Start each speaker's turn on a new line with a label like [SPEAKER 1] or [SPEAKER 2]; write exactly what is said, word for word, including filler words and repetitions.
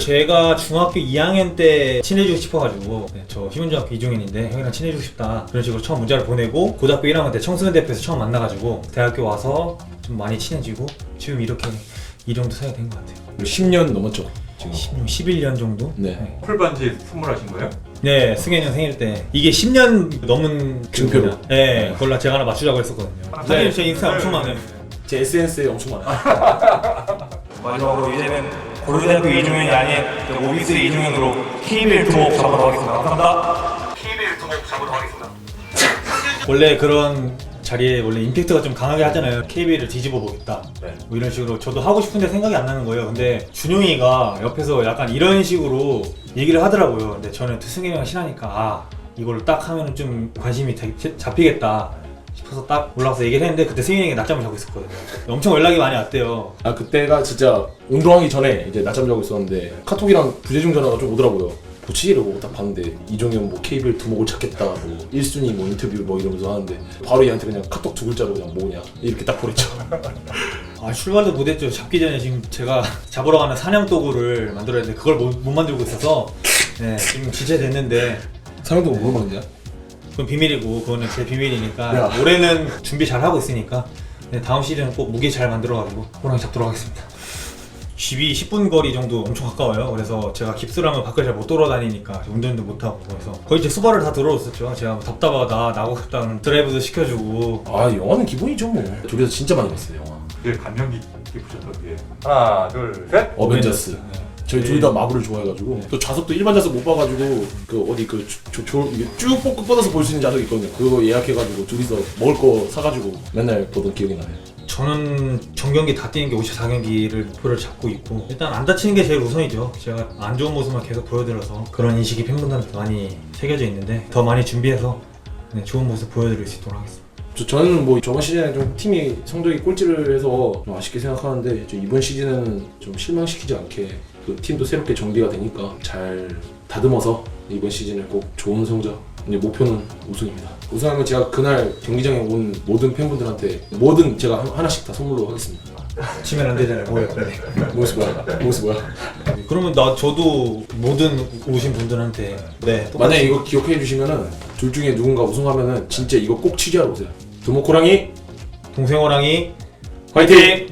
[SPEAKER 1] 제가 중학교 이 학년 때 친해지고 싶어가지고 네, 저 희문중학교 이종현인데 형이랑 친해지고 싶다 그런 식으로 처음 문자를 보내고 고등학교 일 학년 때 청소년 대표에서 처음 만나가지고 대학교 와서 좀 많이 친해지고 지금 이렇게 이 정도 사이가 된 것 같아요.
[SPEAKER 2] 십 년 넘었죠 지금.
[SPEAKER 1] 십 년, 십일 년 정도?
[SPEAKER 2] 네.
[SPEAKER 1] 네,
[SPEAKER 3] 풀반지 선물하신 거예요?
[SPEAKER 1] 네 승현이 형 생일 때 이게 십 년 넘은
[SPEAKER 2] 증표로.
[SPEAKER 1] 그거냐. 네 그걸로 제가 하나 맞추자고 했었거든요. 사실 제 인스타 엄청 많아요.
[SPEAKER 2] 제 에스엔에스에 엄청 많아요.
[SPEAKER 1] 마지막으로 이제는 고려대학교 이종현이 아닌 오비스 이종현으로 케이비엘 두목 잡으러 가겠습니다. 감사합니다.
[SPEAKER 3] 케이비엘 두목 잡으러 가겠습니다.
[SPEAKER 1] 원래 그런 자리에 원래 임팩트가 좀 강하게 하잖아요. 케이비엘을 뒤집어 보겠다.
[SPEAKER 3] 네.
[SPEAKER 1] 뭐 이런 식으로 저도 하고 싶은데 생각이 안 나는 거예요. 근데 준용이가 옆에서 약간 이런 식으로 얘기를 하더라고요. 근데 저는 승현이랑 친하니까 아 이걸 딱 하면 좀 관심이 되, 잡히겠다 싶어서 딱 올라가서 얘기를 했는데 그때 승현이가 낮잠을 자고 있었거든요. 엄청 연락이 많이 왔대요.
[SPEAKER 2] 아 그때가 진짜 운동하기 전에 이제 낮잠 자고 있었는데 카톡이랑 부재중 전화가 좀 오더라고요. 뭐지? 이러고 딱 봤는데 이종현 뭐 케이비엘 두목을 찾겠다 뭐 일 순위 뭐 인터뷰 뭐 이러면서 하는데 바로 얘한테 그냥 카톡 두 글자로 그냥 뭐냐 이렇게 딱 보냈죠.
[SPEAKER 1] 아 출발도 못했죠. 잡기 전에 지금 제가 잡으러 가는 사냥 도구를 만들어야 되는데 그걸 못, 못 만들고 있어서 네, 지금 지체됐는데
[SPEAKER 2] 사람도 뭐 먹는냐?
[SPEAKER 1] 그건 비밀이고 그거는 제 비밀이니까
[SPEAKER 2] 야.
[SPEAKER 1] 올해는 준비 잘 하고 있으니까 네, 다음 시즌은 꼭 무게 잘 만들어가지고 호랑이 잡도록 하겠습니다. 집이 십 분 거리 정도 엄청 가까워요. 그래서 제가 깁스를 하면 밖을 잘 못 돌아다니니까 운전도 못하고 그래서 거의 제 수발을 다 들어줬었죠. 제가 뭐 답답하다 나고 싶다는 드라이브도 시켜주고
[SPEAKER 2] 아 영화는 기본이죠 뭐. 둘이서 진짜 많이 봤어요 영화.
[SPEAKER 3] 되게 감명 깊게 보셨던 게 하나 둘 셋.
[SPEAKER 2] 어벤져스.
[SPEAKER 1] 네.
[SPEAKER 2] 저희 둘 다 마블을 좋아해가지고 또 좌석도 일반 좌석 못 봐가지고 그 어디 그 조, 조, 이게 쭉 뻗고 뻗어서 볼 수 있는 좌석이 있거든요. 그거 예약해가지고 둘이서 먹을 거 사가지고 맨날 보던 기억이 나요.
[SPEAKER 1] 저는 전경기 다 뛰는 게 오십사 경기를 목표를 잡고 있고 일단 안 다치는 게 제일 우선이죠. 제가 안 좋은 모습만 계속 보여드려서 그런 인식이 팬분들한테 많이 새겨져 있는데 더 많이 준비해서 네, 좋은 모습 보여드릴 수 있도록 하겠습니다.
[SPEAKER 2] 저, 저는 뭐 저번 시즌에 좀 팀이 성적이 꼴찌를 해서 좀 아쉽게 생각하는데 저 이번 시즌은 좀 실망시키지 않게 그 팀도 새롭게 정비가 되니까 잘 다듬어서 이번 시즌에 꼭 좋은 성적 이제 목표는 우승입니다. 우승하면 제가 그날 경기장에 온 모든 팬분들한테 뭐든 제가 하- 하나씩 다 선물로 하겠습니다.
[SPEAKER 1] 치면 안 되잖아요. 뭐예요? 네.
[SPEAKER 2] 모스 뭐야? 모스 뭐야?
[SPEAKER 1] 그러면 나 저도 모든 오신 분들한테 네 똑같이
[SPEAKER 2] 만약에 이거 기억해 주시면은 둘 중에 누군가 우승하면은 진짜 이거 꼭 취재하러 오세요. 두목호랑이
[SPEAKER 1] 동생 호랑이
[SPEAKER 2] 화이팅!